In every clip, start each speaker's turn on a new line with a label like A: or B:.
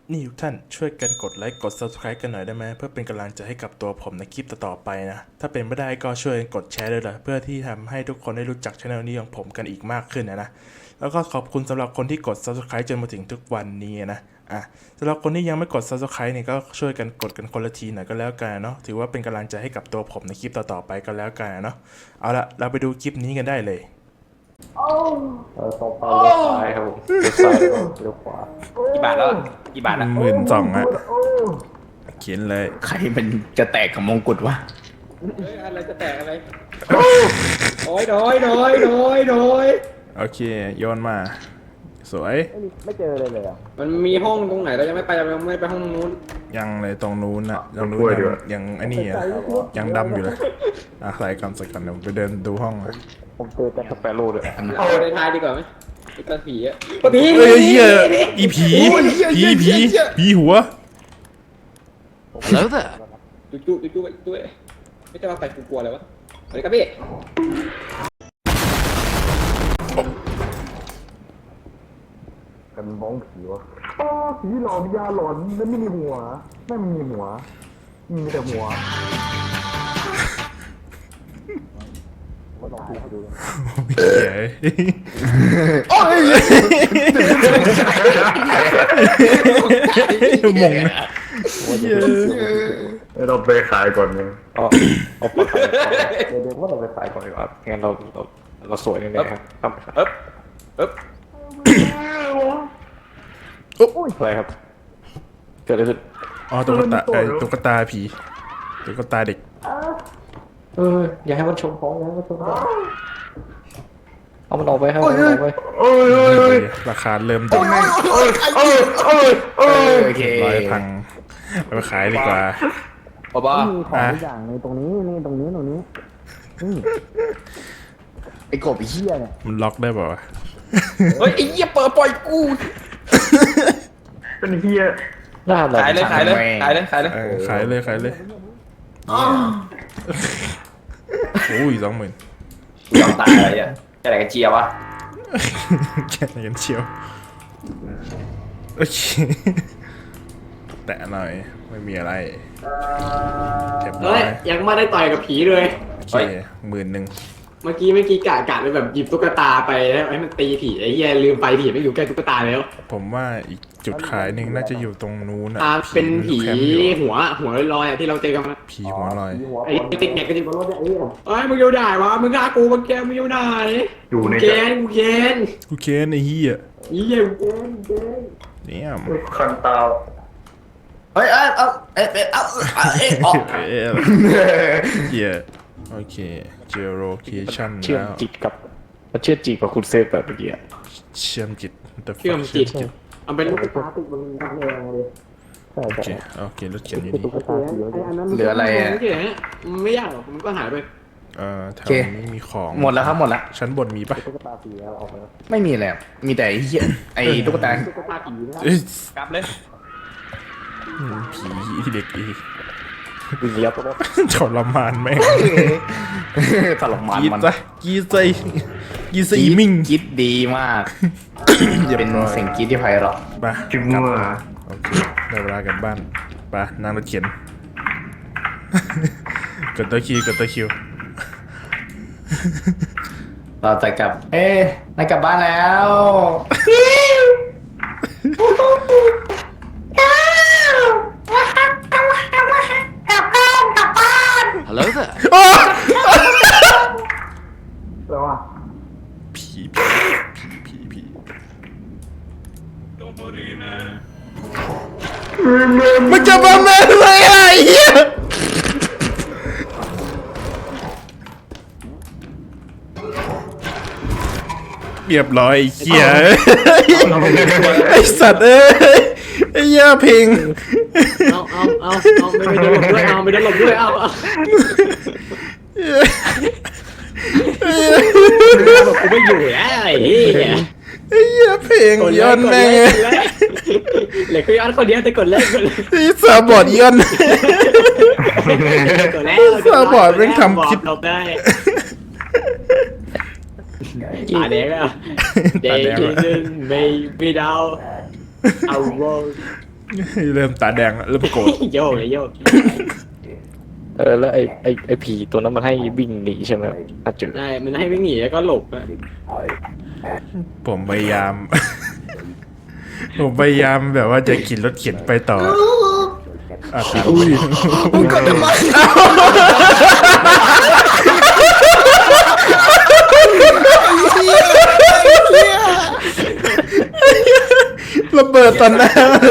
A: นี่ทุกท่านช่วยกันกดไลค์กด Subscribe กันหน่อยได้ไหมเพื่อเป็นกำลังใจให้กับตัวผมในคลิปต่อๆไปนะถ้าเป็นไม่ได้ก็ช่วยกดแชร์ด้วยล่ะเพื่อที่ทำให้ทุกคนได้รู้จักช่องนี้ของผมกันอีกมากขึ้นนะแล้วก็ขอบคุณสำหรับคนที่กด Subscribe จนมาถึงทุกวันนี้นะสำหรับคนที่ยังไม่กด Subscribe เนี่ยก็ช่วยกันกดกันคนละทีหน่อยก็แล้วกันเนาะถือว่าเป็นกำลังใจให้กับตัวผมในคลิปต่อๆไปก็แล้วกันเนาะเอาละเราไปดูคลิปนี้กันได้เลย
B: ตรงไปเลี้ยวซ้ายครับผมเลี้ยวซ้ายเลี้ยวขวา
C: กี่บาทแล้วกี่บาทละ
A: 12,000อะเขียนเลย
C: ใครมันจะแตกกับมงกุฎวะอะไรจะแตกอะไรโอ้ยโดย
A: โอเคโยนมาสวย
B: ไม่เจอเลยอ่ะ
C: มันมีห้องตรงไหนเรายังไม่ไปเรายังไม่ไปห้องนู้น
A: ยังเลยตรงนู้นอะตรงนู้นยังไอ้นี่อะยังดำอยู่เลยใส่กันเดี๋ยวไปเดินดูห้องเลย
B: ผมเจอแต่สเปโร่ด้วย
C: เอาในท้ายดีกว่าไหมไอ้ตาผีอะผี
A: เฮ้ยเฮียอีผีหัว
D: Hello there.
C: จุ๊ไม่ใช่ว่าใส่กลัวเลยวะสวัสดีครับพี่
B: กันบ้องผีวะผีหลอนยาหลอนแล้วไม่มีหัวไม่มีหัวมีแต่หัวมาลองดู
A: เฮียมง
B: เราไปขายก่อนนึงเอาไปขายเดี๋ยวว่าเราไปขายก่อนดีกว่างั้นเราสวยแน่ๆครับอะไรครับเกิดอะไรขึ้น
A: อ๋อตุ๊กตาผีตุ๊กตาเด็ก
B: อย่าให้มันชมของอย่าให้มันชมของเอามันออกไปครับเอามันออกไป
A: ราคาเริ่มตก
C: โอเค
A: ร้อยพังไปขายดีกว่า
C: บ้า
B: มีของทุกอย่างในตรงนี้นี่ตรงนี้
C: ไอ้กบไอ้เหี้ยเนี่ย
A: มันล็อกได้ป่าวะ
C: เฮ้ยไอ้เหี้ยเปิดปล่อยกู
B: เป็นเฮียน่าอะไร
C: ขายเลย
A: ขายเลยโอ้ย20,000
C: ยอมตายอะไรอ่ะจะไหนกันเจียวะ
A: แค่ไหนกันเชียวโอเคแตะหน่อยไม่มีอะไรเก็บร้อย
E: ยังไม่ได้ต่อยกับผีเลย
A: โอเค10,000
E: เมื่อกี้กะไปแบบหยิบตุ๊กตาไปแล้วให้มันตีผีไอ้เหี้ยลืมไปผีไม่อยู่ใกล้ตุ๊กตาแล้ว
A: ผมว่าอีกจุดขายหนึ่งน่าจะอยู่ตรงนู้นอ่ะ
E: เป็นผี
A: แคมป์อยู่
E: หัวลอยๆที่เราเจอกันมา
A: ผีหัวลอย
E: ไอ้ติ๊กแม็กก็จะบอกว่าไอ้เอ้ยมึงอยู่ไหนวะมึงฆ่ากูมึงอยู่ไหนอยู่ในกูเคน
A: กูเคนไอ้เหี้ย
E: เหี้ยกูเคน
A: เนี่ย
B: คันตา
C: เฮ้ยออก
A: เหี้ยโอเคเจอโลเคชั่น
B: เชื่อม
A: แล้ว
B: จิตกับมันเชื่อมจิตกับคุณเซฟแบบเมื่อกี้
A: เชื่อมจิต
E: เชื่อมจิตเอาเป็นลูกตาติดบนกำแพงเลย
B: ใช่
A: โอเครถเขียนอยู่นี่
B: ตุ๊กตาสี
E: ไอ้อันนั้น
C: เหลืออะไรอ่ะ
E: ไม่ยากหรอกมันก็หายไป
A: แถวนี้มีของ
C: หมดแล้วครับหมดแล้ว
A: ชั้นบนมีปะ
B: ตุ๊กตาสีแล้วออกมา
C: ไม่มีแล้วมีแต่ไอ้เหี้ยไอ้ตุ๊กตา
E: ตุ๊กตาผีนะ
A: เอ้ย
C: กลับเลย
A: ผีเด็กอี
B: วิ่งเลี้ยวตัว
A: ทรมานแม่ง
C: ตลกมัน
A: กีด
C: มัน
A: ซะกีดซะอีมิง
C: คิดดีมากเป็นเสียงคิดที่ไพเราะ
A: ไป
B: จิมัว
A: โอเคได้เวลากลับบ้านไปนั่งรถเข็น กดตัวคิว
C: เราจะกลับนายกลับบ้านแล้ว
D: Hello there.
B: แล้วอ่ะ
A: ผีมันจะมาแม่เลยไอ้เหี้ยเรียบร้อยไอ้เหี้ยไอ้สัตว์เอ้ยไอ้เหี้ยเพลง
E: เอาไม่ได้หลบด้วยเอา บอกกูไม่อยู่แล้วไอ้เหี้ย
A: ไอ้เหี้ยเพลงย้อนแม่ง
E: เหล็กก็ย้อนคนเดียวแต่กดเล่นกดเล่น
A: ไอ้สาบอดย้อน
E: กดแล้ว
A: สาบอดแม่งทำคลิป
E: หลบได้ตาแดงอ่ะ They didn't make me down I was
A: เริ่มตาแดงแล้วเริ่มโกรธ
E: โยกเลยโยก
F: แล้วไอ้ผีตัวนั้นมันให้วิ่งหนีใช่ไหมถ้าเจอ
E: ได้มันให้วิ่งหนีแล้วก็หลบอะ
A: ผมพยายาม ผมพยายามแบบว่าจะขี่รถเข็นไปต่ออ่ะครับ
F: มึงก็ทำไม
A: ระเบิดตอนหน้าเลย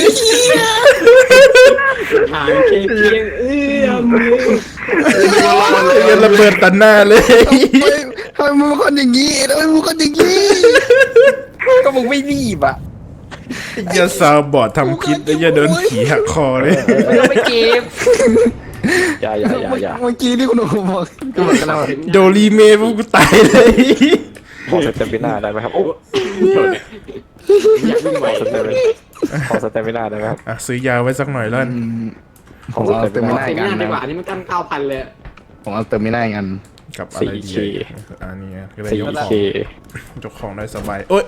E: หางเคียงเอื้อมมือ
A: ยังระเบิดตอนหน้าเลย
F: ทำไมมึงเป็นคนอย่างนี้ทำไมมึงเป็นคนอย่างนี้ ก็มึงไม่รีบอ่ะ
A: อย่าซาวบอร์ดทำคลิปแล้วอย่าโดนผีหักคอเลย
F: ไม่ต้องไปเก็บอย่าเมื่อกี้ที่คุณบอกก็บอกกันแล้ว
A: โดรีเมย์พวกกูตายเลย
F: ขอสเตมิน่าได้ไหมครับโอ้
E: อยากวิ่งไว
F: ขอสเตมิน่าได้ไหมครับ
A: อ่ะซื้อยาไว้สักหน่อยแล้ว
F: ของสเตมิน่า
E: ไม่น่าดีกว่านี่มันตั้ง9,000เลย
F: ของอัลเตอร์มิน่ากัน
A: กับอะไรดี
F: 4K
A: อันนี้ก็ได้ยกของ
F: 4K
A: ยกของได้สบายโอ๊ย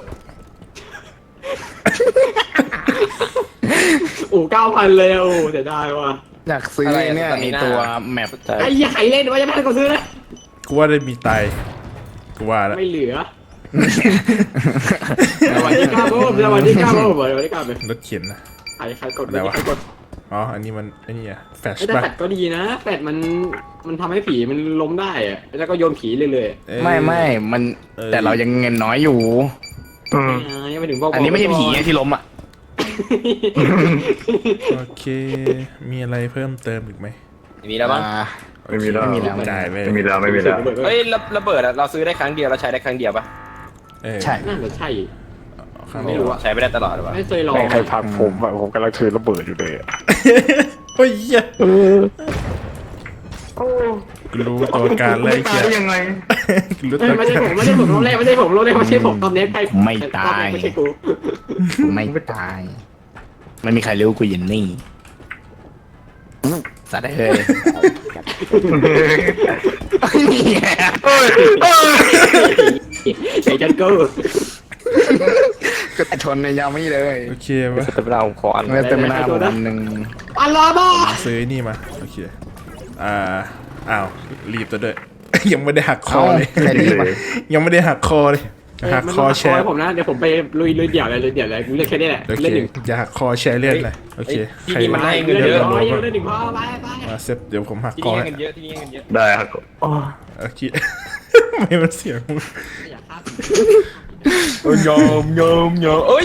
E: โอ้9,000เลยโอ้เสียดายว่ะ
F: อยากซื้อเนี่ยไอตัวแมป
E: ไอ้ยี่ไข่เล่นว่าจะไม่ให้เขาซื้อนะ
A: กูว่าได้มีตายกูว่าแล้ว
E: ไม่เหลือสวัสดีครับผมสวัสดีครับผมสวัสดีครับ
A: รถเข็นนะ
E: ใครกดใครกด
A: อ๋ออันนี้มันไอ้นี่อะแฟช
E: ไอ้แต่
A: ป่ะ
E: แฟดก็ดีนะแฟดมันทำให้ผีมันล้มได้อะแล้วก็โยนผีเรื่อย
A: เอ้ย
F: ไม่มันแต่เรายังเงินน้อยอยู่
E: ๆยังไม่ถึงพวก
F: อันนี้ไม่ใช่ผีที่ล้มอ่ะ
A: โอเค มีอะไรเพิ่มเติมอีกไหม
C: มีแล้วมั้ง
B: ไม่มีแล้ว
F: ไม่มีแล้ว
A: ได้เว้ย
B: ไม่มีแล้วไม่มีแล้ว
C: เฮ้ยระเบิดอะเราซื้อได้ครั้งเดียวเราใช้ได้ครั้งเดียวปะ
A: เออ
F: ใช่
E: น่าจะใช่
A: ข้าง
E: ไม่
A: น
E: รู้
A: อก
E: อะ
C: ใช้ไม่ได้ตลอดหรือเปล่า
E: ไม่เคยลอง
F: ใครพักผมอะผมกำลังถือระเบิดอยู่เลยอะ
A: โอ้ยเหี้ยกูรู้ตัวการเลย
B: ตายได้ยังไง
A: กูรู้
E: เอ้
A: ตั
E: ยว ไม่ใช่
A: การ
E: ผมไม่ใช่ผมรอบแรกไม่ใช่ผมรอบแรกไม่ใช่ผมตอนนี้ใคร
F: ไม่ตาย
E: ไม่ใช่กู
F: ไม่ตาย ไม่มีใครรู้กูอยินนี่สัตว์ได้เลย
E: ไอ้จันเกอร์
F: ก็ชนในยาไม่เลย
A: โอเคปะ
F: สเตมินาผมขออันสเตมินาผมอันหนึ่ง
E: อัลลอฮ์บ้า
A: ซื้อนี่มาโอเคอ้าวรีบตัวด้วย ยังไม่ได้หักคอเลย
F: แค่นี้ปะ
A: ยังไม่ได้หักคอเลยหักคอแชร์
E: ผมนะเดี๋ยวผมไปลุยเดี่ยวเลยกูเลือกแค่นี้แหละ
A: โอเค
E: เล่นหนึ่ง
A: อย่าหักคอแชร์เลือดเลยโอเค
C: ที่
A: ใคร
C: นี่มันให้เงิน
E: เล่นห
C: เย
E: นึ่
C: อะ
E: งร้อยเล่นหนึ่งพอไป
A: มาเซฟเดี๋ยวผมหัก
C: ที่
A: คอ
C: นี่ให้
A: ให้
C: เงินเยอะที่นี่ให้เงินเยอะ
B: ได้ครับ
A: โอเค ไม่มันเสียงมึง
C: ยอมเอ้ย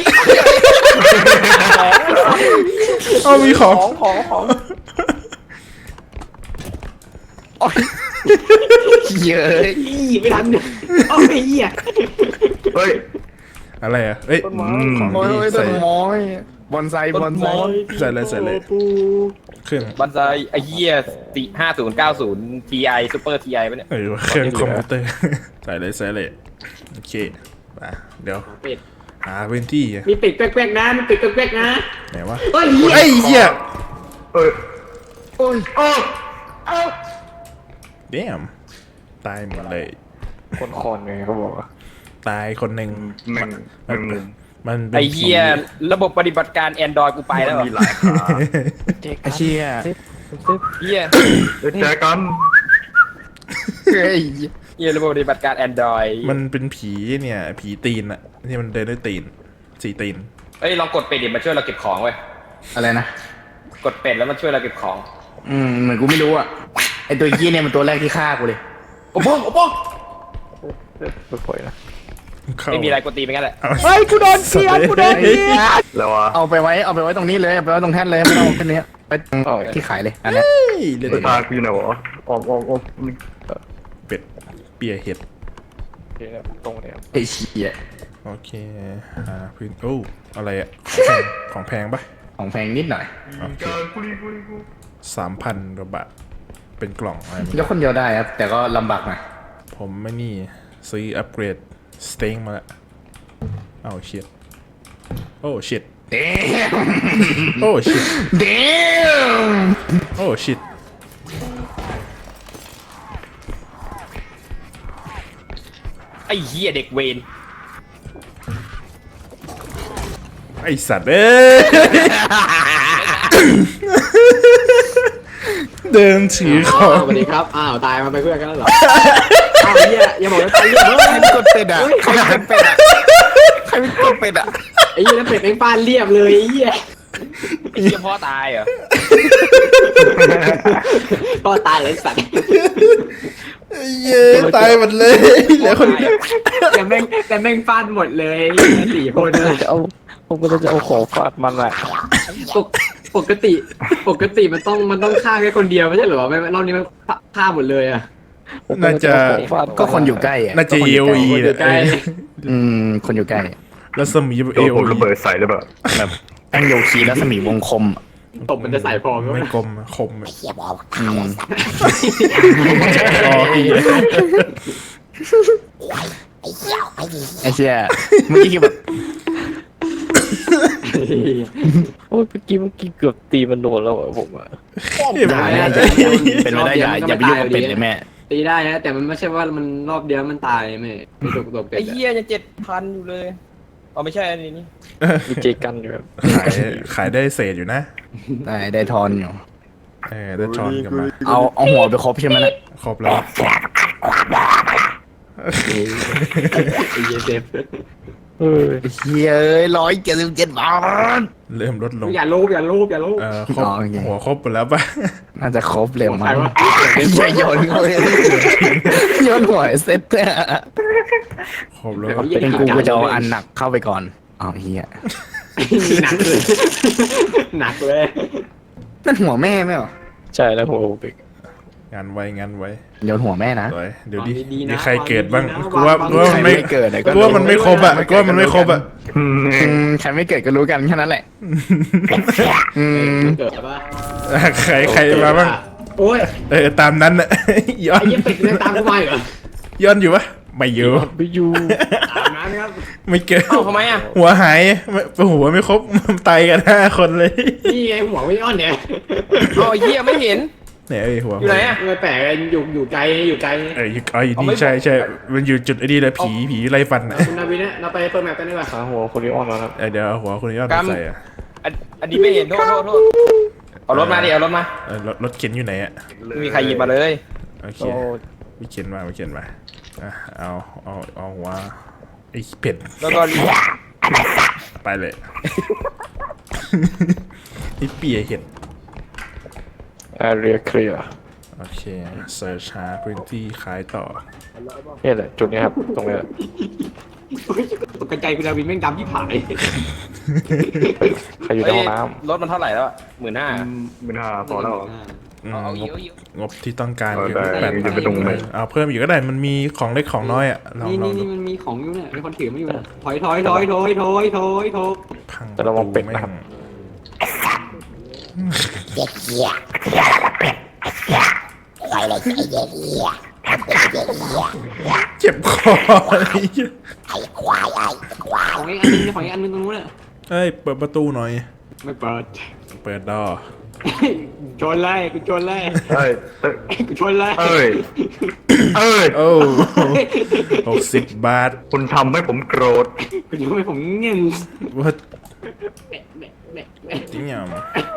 A: เอามีของ
C: ของ
F: เยอะ
E: ไม่ทันโอ้ยเหี้ย
B: เฮ้ย
A: อะไรอ่ะเอ้ย
F: โอ้ยต้
A: ใส่
F: นไม้บอนไซบอนไซ
A: ใส่เลยเครื่อง
C: บันไซไอ้เหี้ย5090 Ti Super Ti ปะเนี่ย
A: เครื่องคอมพิวเตอร์ ใส่เลยโอเคมาเดี๋ยว
E: เป็ด
A: หาพื้นที่อะ
E: มีเป็ดแป๊กๆนะมีเป็ดแป๊กๆนะ
A: ไหนวะ
E: เฮ้ย
A: ไอ้เหี้ย
B: เอ้ยโอ้ยโอ้
A: เดมตายหมดเลย
F: คนไงเขาบอกว่า
A: ตายคนหนึ่ง
B: แม่งแม่งมุม
A: มันเป็น
C: ไอ้เหี้ยระบบปฏิบัติการ Android กูไปแล้วเหรอ
B: มีหลายขา
F: ไอ้เชี่ย
C: เหี้ย
B: เดี๋ยวเจอกัน
F: เฮ้ย
C: เหี้ยระบบปฏิบัติการ Android
A: มันเป็นผีเนี่ยผีตีนอะที่มันเดินด้วยตีนสี่ตีน
C: เอ้ยลองกดเป็ดดิมันช่วยเราเก็บของเว้ย
F: อะไรนะ
C: กดเป็ดแล้วมันช่วยเราเก็บของ
F: เหมือนกูไม่รู้อ่ะไอตัวยี่เนี่ยมันตัวแรกที่ฆ่ากูเลย
C: โอ้โห
F: ไม่ค่อยนะ
A: เข้า
C: ไม่มีอะไรกดตีไปงั้นแหละ
A: เฮ้ยกูโดนเสียกูโดน
B: แล้ววะ
F: เอาไปไว้ตรงนี้เลยเอาไปไว้ตรงแท่นเลยไม่ต้องเอาขึ้นนี้ไปที่ขายเลยอันนี้
A: เล่น
B: สตาร์กูอยู่ไหนวะออม
A: เป็ดเปียเห็ด
F: ตรงนี้ไอ้เชี่ย
A: โอเคหาพื้นโอ้อะไรอะของแพงปะ
F: ของแพงนิดหน่อย
A: โอเค
B: กูรี
A: 3,000 กว่าบาทเป็นกล่องอะไร
F: ยกคนเดียวได้ครับแต่ก็ลำบากหน่อย
A: ผมไม่นี่ซื้ออัปเกรดสเต็งมาละโอ้ชิตโอ้ชิต
F: เด้
A: โอ้ชิต
F: เด้
A: โอ้ชิต
C: ไอ้เหี้ยเด็กเวน
A: ไอ้ไอสัตว์เอ้ย เดินถือของ
E: สวัสดีครับอ้าวตายมาไปนเพื่อนกันแล้วเหรออ้าวเหี้ยอย่าบอกว่าตายเรียบ
F: ใครเป็นกดเป็ดอ่ะใครเป็นเป็ดอ่ะใครเป็นกดเป็ดอ่ะ
E: ไอ้เหี้ยแล้วเป็ดแม่งฟาดเรียบเลยไอ้เหี้ย
C: ไอ้เหี้ยพ่อตายเหรอ
E: ก็ตายเลยสัตว์
A: เย้ตายหมดเลยเหลือคนเดียว
E: แต่แม่งฟาดหมดเลยสี่คนเลย
F: ผมก็จะเอาของฟาดมันแหละ
E: ปกติมันต้องฆ่าแค่คนเดียวไม่ใช่เหรอไม่รอบนี้มันฆ่าหมดเลยอ่ะ
A: น่าจะ
F: ก็คนอยู่ใกล้อ่ะ
A: น่าจะเอวี
E: อยู่ใกล้
F: คนอยู่ใกล้
A: แล้วสมีเอ
B: ผม
A: วี
B: ระเบิดใส่หรือเปล่า
F: แบบตั้งโยคีแล้วสมีวงคม
E: ตบมันจะใส่พอไหม
A: ไม่
E: วะ
A: กลมคม
F: อืม
A: อ๋ออี
F: ไอ้เชี่ยเมื่อกี้คือแบบ
G: โอ้ยเมื่อกี้เกือบตีมันโดนแล้วอะผมอะ
F: อย่าเป็นไม่ได้อย่าไปยุ่งกับเป็ดเลยแม่
E: ตีได้นะแต่มันไม่ใช่ว่ามันรอบเดียวมันตายไม่ตกเป็ด
C: ไอ้เหี้ยยัง7,000อยู่เลยอ๋อไม่ใช่อันนี้นี่
G: มีเจกันอยู่แบบ
A: ขายได้เศษอยู่นะ
F: ได้ทอนอยู่
A: ได้ทอนกลับมา
F: เอาหัวไปครบใช่ไหมนะ
A: ครบแล้ว
E: ไอ้เหี้ยเซฟ
G: เออ
F: เฮ้ย177 บาท
A: เริ่มลดลง
E: อย่าลูบ
A: ครบ
F: โอเค
A: หัวครบหมดแล้วป่ะ
F: น่าจะครบเร็ว
E: ใคร
F: มั้ง
E: วะ
F: อย่าโยนเขาเลยโยนหัวเซ็ตเนี่ย
A: ครบแล้ว
F: เป็นกูจะเอาอันหนักเข้าไปก่อนอ๋อเฮีย
E: หนักเลย
F: นั่นหัวแม่ไหมเหรอ
G: ใช่แล้วหัวเบก
A: งานไว้
F: โยนหัวแม่นะ
A: สวยเดี๋ยวดิมีใครเกิดบ้างกูว่ามันไม่
F: เกิด
A: กูว่ามันไม่ครบอ่ะกูว่ามันไม่ครบอ่ะ
F: ใครไม่เกิดก็รู้กันแค่นั้นแหละ
E: เกิดปะ
A: ใครมาบ้าง
E: โอ้ย
A: ตามนั้นอ่ะ ย้อน
E: ไอ้เหี้ยเป็ดมันตามกูมาเหรอ
A: ย้อนอยู่ปะไม่อยู่
G: ไปอยู่
E: ตามนั้นครับ
A: ไม่เกิด
C: เอ้าทำไมอ่ะ
A: หัวหายหัวไม่ครบมันตายกัน5 คนเลย
E: นี่ไงหัวไม่อ้อนเนี่ย
C: อ๋อไอ้เหี้ยไม่เห็น
A: เนี่ยหัว
C: อยู่ไหนอ่ะ
E: ไม่แปลกอยู่ไกล
A: อยู่นี่ใช่มันอยู่จุดไอ้นี่เลยผีไล่ฟันอ่ะ
E: คุณนาวินเนี่ยเราไปเปิดแมปกันดีกว่า
G: หาหัวคนนี้ออนแล้วครับ
A: เดี๋ยวเอาหัวคุณยอดใส่อ่ะ
C: อันนี้ไม่เห็นโทษเอารถมาดิเอารถมา
A: รถเข็นอยู่ไหนอ่ะ
C: ไม่มีใครหยิบมาเลย
A: โอเค
G: โอ้
A: วิเข็นมาอ่ะเอาหัวไอ้เป็ด
C: แล้วก็
A: ไปเลยไอ้เปียเห็ด
G: แอเรียเคลียร์
A: โอเคเสิร์ชหาพื้นที่ขายต่อ
G: นี่แหละจุดนี้ครับตรงนี้
E: ตกใจคุณนาวินแม่งดำที่ผาย
G: ใครอยู่ในห้องน้
C: รถมันเท่าไหร่แล้วอ่ะ15,000
B: 15,000พอแล้วเหรอ
C: เอาอีก
A: งบที่ต้องการ
B: ได้
A: 8,000
B: จะไปตรงไหน
A: เอาเพิ่มอีกก็ได้มันมีของเล็กของน้อยอ่ะลอง
E: นี่
A: ดู
E: มันมีของอยู่เนี่ยมีคนถือไม่อยู่นะถอย
A: พัง
G: ำแต่ระวังเป็ดนะครับ
A: เจ็บคอเลย
E: ของอีกอันนึงตรงนู้นน่ะ
A: เอ้ยเปิดประตูหน่อย
E: ไม่เปิด
A: เปิดดอ
E: ชนเลยกูชนเลย
B: เอ้ย
E: กูชนเลย
B: เอ้ย
A: โอ้60 บาท
B: คุณทำให้ผมโกรธ
E: กูทำให้ผมเงี้ย
A: ว่าจริงยัง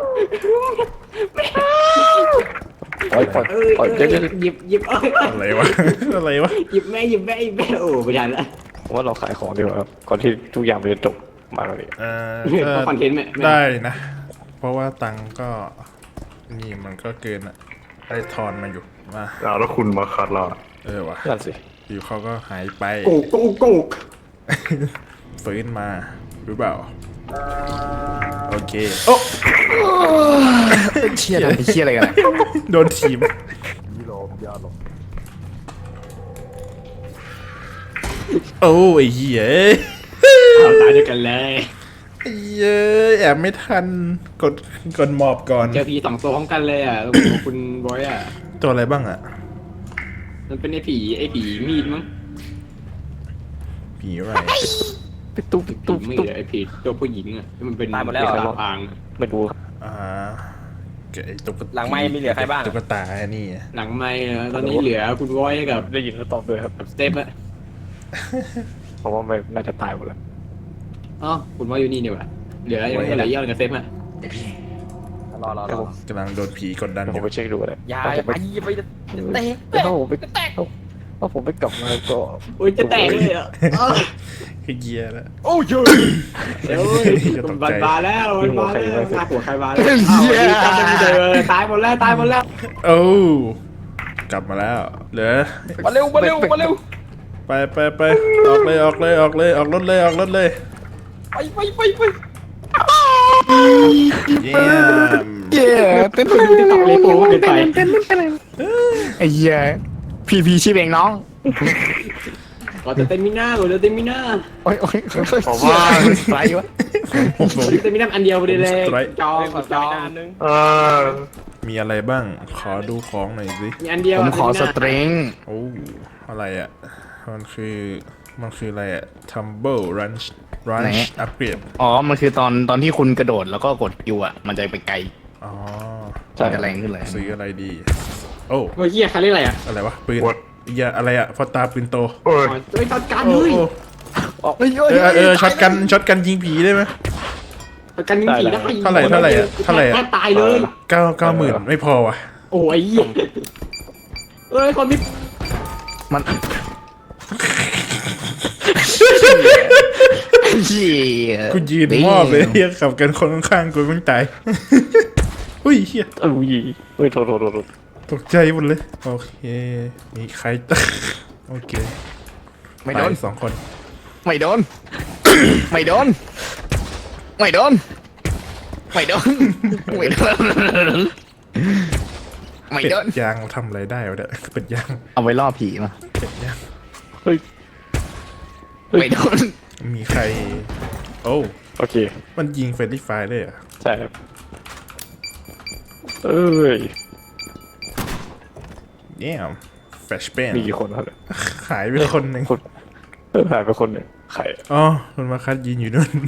G: ปล่อยเดี๋ยว
E: หยิบ
A: อะไรวะอะไรวะ
E: หยิบแม่โอ้ไม่ทันละ
G: ผมว่าเราขายของดีกว่าครับก่อนที่ทุกอย่างมันจะจบมาแล้วนี่
E: เพราะคอนเทนต์ไหม
A: ได้นะ เพราะว่าตังค์ก็นี่มันก็เกินอ่ะได้ทอนมาอยู่มา
B: แล้วคุณมาคัดเรา
A: วะ
G: นั่นสิ
A: อยู่เขาก็หายไป
E: โกก
A: ฟื้นมาหรือเปล่าโอเคโอ้
F: เชี่ยอะไรกัน
A: โดนทีมโอ้ไอ้เหี้ย
E: เอาตายด้วยกันเลย
A: ไอ้เหี้ยแอบไม่ทันกดหมอบก่อน
E: เจอผี2 ตัวพร้อมกันเลยอ่ะคุณบอยอ่ะ
A: ตัวอะไรบ้างอ่ะ
E: มันเป็นไอ้ผีมีดมั้ง
A: ผีอะไร
G: ปิดตุ๊บ
E: ผี
G: ตุ๊บ
E: มีด
G: ตุ๊บ
E: ไอ้ผีตัวผู้หญิงอ่ะที่มันเป็น
C: ตายหมดแล้วเหรอ
E: เป็นพาง
G: ไม่รู้ครับ
A: ไอ้ตุ๊ก
C: หลังไมค์มีเหลือใครบ้าง
A: ตุ๊กตาอันนี่
E: หลังไม่ตอนนี้เหลือคุณบอยกับ
G: ได้ยินแล้วตอบด้วยครับ
E: สเต็ปอะ
G: เพราะว่าไม่น่าจะตายหมดแล้ว
E: อ๋อคุณบอยอยู่นี่เนี่ยว่ะเหลือยังเหลือเยอะกับเซฟอ่ะ
F: รอ
A: กำลังโดนผีกดดันอ
G: ผม
A: ยู่
G: ไปเช็คดูเลย
F: อย่า
G: ถ้าผม
F: ไป
G: ไป
F: อย่าไปเตะ
G: ถ้าผมไปถ้าผมไปกลับมาก็
E: อุ้ยจะแตกเลยอ่ะ
A: เฮียแล้ว
F: โอ้ย
E: เดี๋ยวมันบาแล้วมันบาแล้วฆ่าหัวใครบาแล้วจำไม่เจอตายหมดแล้วตายหมดแล้ว
A: โอ้กลับมาแล้วเหลือ
F: มาเร็วมาเร็วมาเร็ว
A: ไปออกเลยออกรถเลยออกรถเลย
F: ไป
A: เยี่ยม
F: เย้เต้น
E: จะตับเลยโป้เกินไป
F: ไอ้เหี้ยพีชีพเองน้อง
E: ก่อนจะเต็มมิน่าก่อนจะเต็มมิน่า
F: โอ้ยผมว่าไรวะ
E: เต็มมิน่าอันเดียวไปเลยจองจอง
A: มีอะไรบ้างขอดูของหน่อยสิ
E: มีอันเดียว
F: ผมขอสตริง
A: โอ้อะไรอ่ะมันคืออะไรอ่ะ Tumble Ranch อัปเกรด
F: อ๋อมันคือตอนที่คุณกระโดดแล้วก็กดคิวอ่ะมันจะไปไกล
A: อ๋อ
F: จะแรงขึ้นเลย
A: ซื้ออะไรดี โอ้
E: เมื่อกี้ใครเรียกอะไรอ่ะ
A: อะไรวะปืนอย่าอะไรอ่ะพอตาปืนโต
E: เฮ้ยตัดการเลย
A: ช็อตกันยิงผีได้ไหม
E: ตัดการยิงผีได้
A: เท่าไหร่อะ
E: ตายเลย
A: 90,000ไม่พอว่ะ
E: โอ้ยเอ้ยคนที่
F: มันเหี้ย
A: กูยืนมอบเลยเฮียขับกันคนข้างๆกูมึงตายอุ้ยเฮีย
G: เฮ้ยโทษ
A: ตกใจหมดเลยโอเคมีใคร โอเค
F: ไม่โดน
A: ป2 คน
F: ไม่โดน ไม่โดน ไม่โดน ไม่โดน ไม่โดน ไม่
A: เป็ด
F: โดน
A: ยางทำอะไรได้วะเนี่ยเป็ดยาง
F: เอาไว้ล่อผีมา
A: เป็ดยาง
F: ไม่โดน
A: มีใคร โอ้
G: โอเค
A: มันยิงเฟรนลี่ไฟร์ได้เหรอ
G: ใช่ครับเอ้ย
A: เนี่ยแฟชเปน
G: มีกี่คนครับ
A: หายไปคนหนึ่ง
G: หายไปคนหนึ่งใคร
A: อ๋อคุณมาคัดยืนอยู่นู่น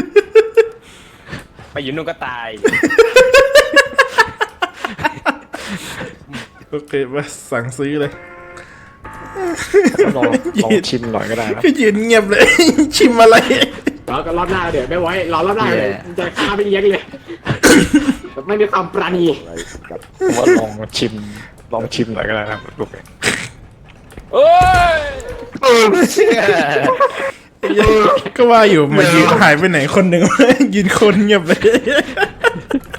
F: ไปอยู่นู่นก็ตาย
A: โอเคมาสั่งซื้อเลย
G: ลองชิมหน่อยก็ได้นะ
A: ก็ยืนเงียบเลย ชิมอะไร
E: แล้วก็รอบหน้าเดี๋ยวไม่ไว้รอรอบหน้าจะฆ่าไปเลี้ยงเลยไม่มีความปราณี
G: ผมว่าลองชิมหน่อยก็ได้นะลูก
A: ก็ว่าอยู่มายืนหายไปไหนคนหนึ่ง ยืนคนเงียบเลย